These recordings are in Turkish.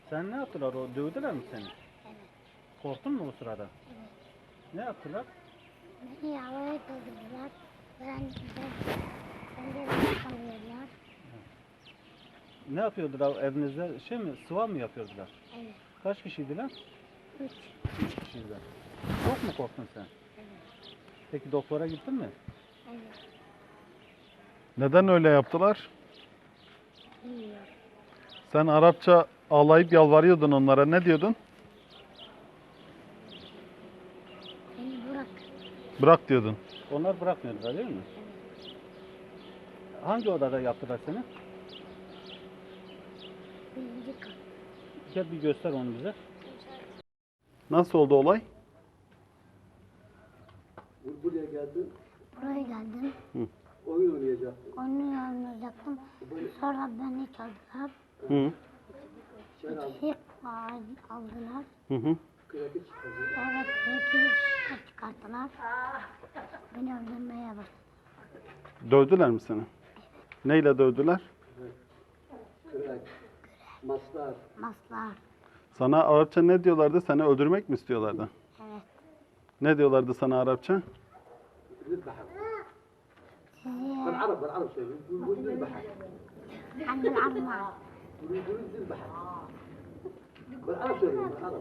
Sen ne yaptılar? O dövdüler mi seni? Evet. Korktun mu o sırada? Evet. Ne yaptılar? Beni havaya kaldırdılar. Ben de yakamıyorlar. Ne yapıyordular evinizde? Şey mi? Sıva mı yapıyordular? Evet. Kaç kişiydiler? 3. 3 kişiydiler. Çok mu korktun sen? Evet. Peki doktora gittin mi? Evet. Neden öyle yaptılar? Bilmiyorum. Sen Arapça ağlayıp yalvarıyordun onlara. Ne diyordun? Beni bırak. Bırak diyordun. Onlar bırakmıyordular değil mi? Evet. Hangi odada yaptılar seni? Birinci kat. Gel bir göster onu bize. Nasıl oldu olay? Buraya geldin, Buraya geldim. oyun oynayacaktın. Onu oynayacaktım. Sonra beni çaldılar. Hı Sen aldın, Şey aldılar. hı. kredi çıkardın. Sonra kredi çıkarttılar. Beni öldürmeye başladı. Dövdüler mi seni? Neyle dövdüler? Kredi, maslar, Maslar. Sana Arapça ne diyorlardı? Seni öldürmek mi istiyorlardı? Evet. Ne diyorlardı sana Arapça? نذبحك. Sizi بالعرب شوي يقول نذبحك. عند العمار. يقول نذبحك. بالعرب شوي بالعرب.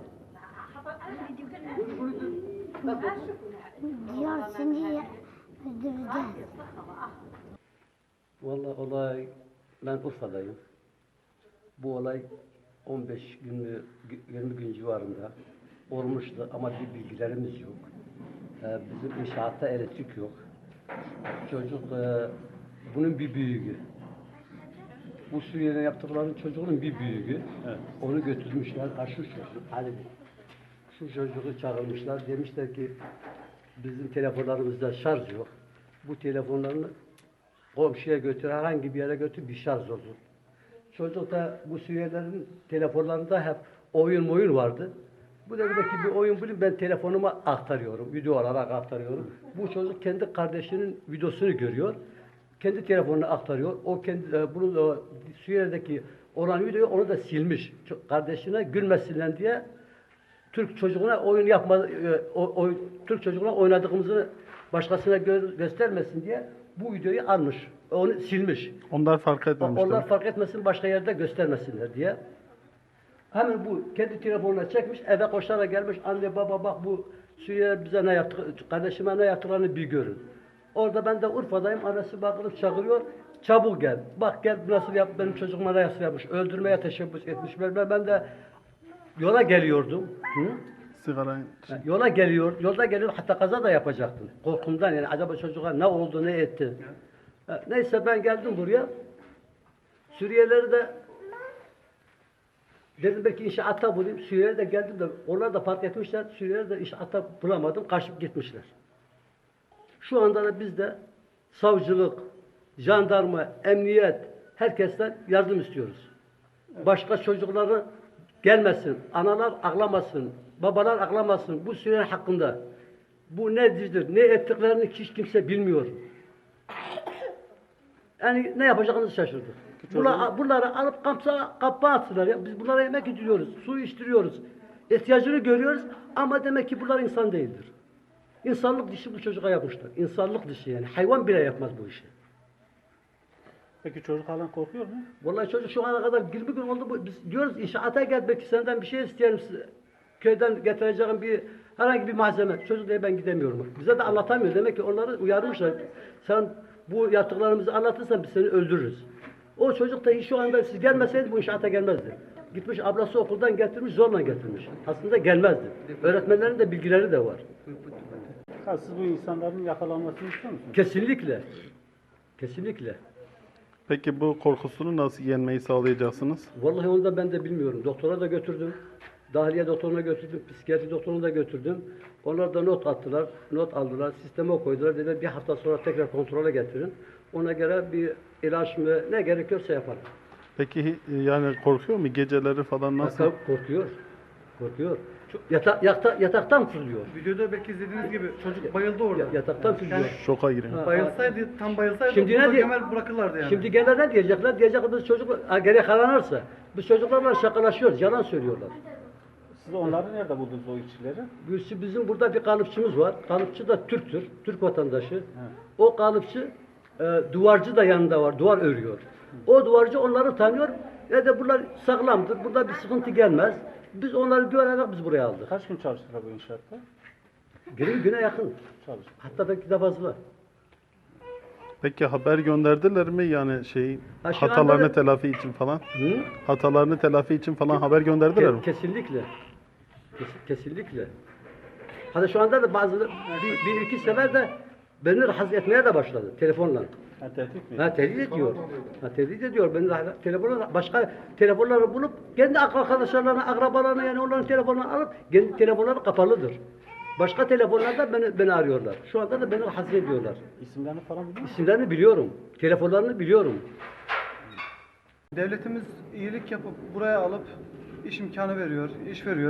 يقول Diyor seni öldüreceğiz. Vallahi olay, ben Urfa'dayım. Bu olay 15 gün mü, 20 gün civarında olmuştu ama bir bilgilerimiz yok. Bizim inşaatta elektrik yok. Çocuk, bunun bir büyüğü. Bu Suriye'de yaptıklarının çocuğunun bir büyüğü. Evet. Onu götürmüşler, şu çocuk, Ali. Şu çocuğu çağırmışlar, demişler ki bizim telefonlarımızda şarj yok. Bu telefonlarını komşuya götür, herhangi bir yere götür, bir şarj olur. Çocuk da bu Suriyelilerin telefonlarında hep oyun vardı. Bu devredeki bir oyun bilip ben telefonuma aktarıyorum, video olarak aktarıyorum. Bu çocuk kendi kardeşinin videosunu görüyor. Kendi telefonuna aktarıyor. O kendi bunun Suriye'deki olan videoyu onu da silmiş. Kardeşine gülmesinler diye Türk çocuğuna oyun yapma Türk çocuğuna oynadığımızı başkasına göstermesin diye bu videoyu almış. Onu silmiş. Onlar fark etmemişler. Onlar fark etmesin, başka yerde göstermesinler diye. Hemen bu kendi telefonuna çekmiş, eve koşarak gelmiş. Anne baba bak bu Suriye bize ne yaptı, kardeşime ne yaptıklarını bir görün. Orada ben de Urfa'dayım, annesi bakılıp çağırıyor. Çabuk gel. Bak gel nasıl yap, benim çocuğuma nasıl yapmış. Öldürmeye teşebbüs etmiş. Ben de yola geliyordum. Hı? Sigara... Yolda geliyor, hatta kaza da yapacaktım. Korkumdan yani acaba çocuğa ne oldu, ne etti. Neyse ben geldim buraya. Suriyelileri de dedim belki inşaatta bulayım. Suriyeliler de geldim de onlar da fark etmişler. Suriyeliler de inşaatta bulamadım, kaçıp gitmişler. Şu anda da biz de savcılık, jandarma, emniyet, herkesten yardım istiyoruz. Başka çocukları gelmesin, analar ağlamasın, babalar ağlamasın bu Suriyeliler hakkında. Bu nedir, ne ettiklerini hiç kimse bilmiyor. Yani ne yapacağımızı şaşırdık. Bunları alıp kapıya atsınlar ya. Biz bunlara yemek yediriyoruz, su içtiriyoruz. İhtiyacını görüyoruz ama demek ki bunlar insan değildir. İnsanlık dışı bu çocuğa yapmışlar. İnsanlık dışı yani. Hayvan bile yapmaz bu işi. Peki çocuk halen korkuyor mu? Vallahi çocuk şu ana kadar 20 gün oldu. Biz diyoruz inşaata gel belki senden bir şey isteyelim. Köyden getireceğim herhangi bir malzeme. Çocuk diye ben gidemiyorum. Bize de anlatamıyor. Demek ki onları uyarmışlar. Sen bu yaptıklarımızı anlatırsan biz seni öldürürüz. O çocuk da şu anda siz gelmeseydi bu inşaata gelmezdi. Gitmiş ablası okuldan getirmiş, zorla getirmiş. Aslında gelmezdi. Öğretmenlerin de bilgileri de var. Ha, siz bu insanların yakalanmasını istiyor musunuz? Kesinlikle. Kesinlikle. Peki bu korkusunu nasıl yenmeyi sağlayacaksınız? Vallahi onu da ben de bilmiyorum. Doktora da götürdüm. Dahiliye doktoruna götürdüm. Psikiyatri doktoruna da götürdüm. Onlar da not attılar. Not aldılar. Sisteme koydular. Dediler bir hafta sonra tekrar kontrole getirin. Ona göre bir ilaç mı ne gerekiyorsa yapalım. Peki yani korkuyor mu? Geceleri falan nasıl? Korkuyor. Korkuyor. Yataktan fırlıyor. Videoda belki izlediğiniz gibi çocuk bayıldı orada. Yataktan fırlıyor. Şoka giriyor. Bayılsaydı, tam bayılsaydı Şimdi burada ne diye- Kemal bırakırlardı yani. Şimdi gene ne diyecekler? Diyecekler çocuk geri kalanırsa Biz çocuklarla şakalaşıyoruz, yalan söylüyorlar. Siz onları nerede buldunuz o işçileri? Bizim burada bir kalıpçımız var. Kalıpçı da Türktür, Türk vatandaşı. O kalıpçı duvarcı da yanında var, duvar örüyor. O duvarcı onları tanıyor. De bunlar sağlamdır, burada bir sıkıntı gelmez. Biz onları güvenerek biz buraya aldık. Kaç gün çalıştılar bu inşaatta? Güne yakın. Çalıştı. Hatta belki de fazla. Peki haber gönderdiler mi yani Ha, şu hatalarını anda da- telafi için falan? Hı? Hatalarını telafi için falan haber gönderdiler mi? Kesinlikle. Kesinlikle. Hatta şu anda da bazı bir iki sefer de beni rahatsız etmeye de başladı telefonla. Ha, tehdit mi? Ha, tehdit ediyor. Ha, tehdit ediyor. Beni telefonla başka telefonları bulup kendi arkadaşlarına, akrabalarına yani onların telefonlarını alıp kendi telefonları kapalıdır. Başka telefonlarda beni arıyorlar. Şu anda da beni rahatsız ediyorlar. İsimlerini falan biliyor musun? İsimlerini biliyorum. Telefonlarını biliyorum. Devletimiz iyilik yapıp buraya alıp iş imkanı veriyor, iş veriyor.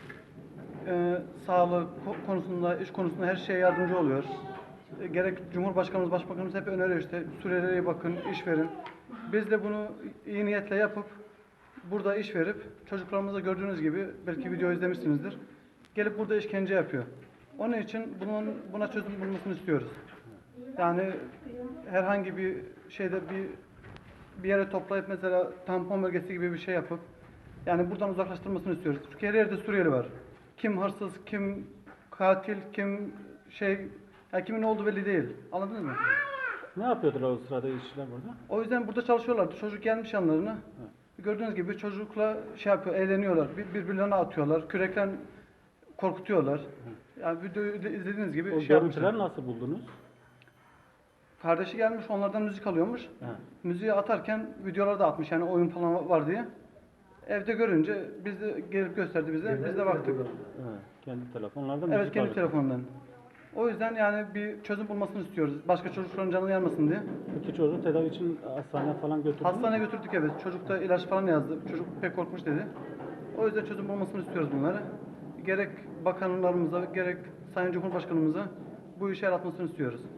Sağlık konusunda, iş konusunda her şeye yardımcı oluyor. Gerek Cumhurbaşkanımız, Başbakanımız hep öneriyor işte Suriyelilere bakın, iş verin. Biz de bunu iyi niyetle yapıp burada iş verip çocuklarımıza gördüğünüz gibi belki video izlemişsinizdir. Gelip burada işkence yapıyor. Onun için buna çözüm bulmasını istiyoruz. Yani herhangi bir şeyde bir yere toplayıp mesela tampon bölgesi gibi bir şey yapıp yani buradan uzaklaştırmasını istiyoruz. Çünkü her yerde Suriyeli var. Kim hırsız, kim katil, kim ya kimin olduğu belli değil. Anladınız mı? Ne yapıyordular o sırada işçiler burada? O yüzden burada çalışıyorlardı. Çocuk gelmiş yanlarına. Gördüğünüz gibi çocukla eğleniyorlar. Birbirlerine atıyorlar. Kürekle korkutuyorlar. Yani videoyu izlediğiniz gibi O yapmışlar. görüntüleri nasıl buldunuz? Kardeşi gelmiş onlardan müzik alıyormuş. Müziği atarken videoları da atmış yani oyun falan var diye. Evde görünce biz de gelip gösterdi bize. Biz de baktık. Kendi telefonlardan Evet müzik kendi alıyor. telefonundan. O yüzden yani bir çözüm bulmasını istiyoruz. Başka çocukların canı yanmasın diye. Peki çocuğu tedavi için hastaneye falan götürdünüz mü? Hastaneye götürdük evet. Çocuk da ilaç falan yazdı. Çocuk pek korkmuş dedi. O yüzden çözüm bulmasını istiyoruz bunları. Gerek bakanlarımıza gerek Sayın Cumhurbaşkanımıza bu işe el atmasını istiyoruz.